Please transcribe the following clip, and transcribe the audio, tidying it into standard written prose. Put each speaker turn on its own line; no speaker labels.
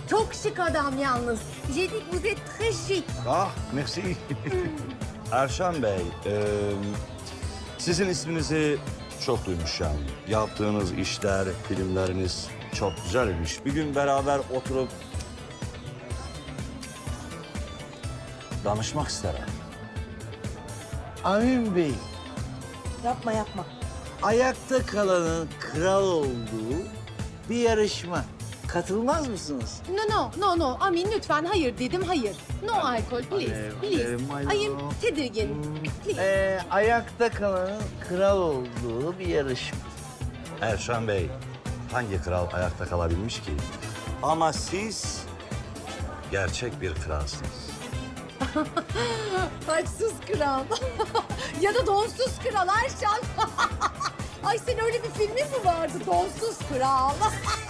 Çok şık adam yalnız. J'ai dit que vous êtes très chic.
Ah, merci. Erşan Bey, sizin isminizi çok duymuşum. Yaptığınız işler, filmleriniz çok güzelmiş. Bir gün beraber oturup danışmak isterim.
Amin Bey,
Yapma yapma.
ayakta kalanın kral olduğu bir yarışma. Katılmaz mısınız?
No. Amin lütfen hayır dedim hayır. No alkol please. Ayım tedirgin. Please.
Ayakta kalanın kral olduğu bir yarışma.
Erşan Bey, hangi kral ayakta kalabilmiş ki? Ama siz gerçek bir kralsınız.
Saçsız kral. Ya da donsuz kral Erşan. Ay senin öyle bir filmin mi vardı? Donsuz kral.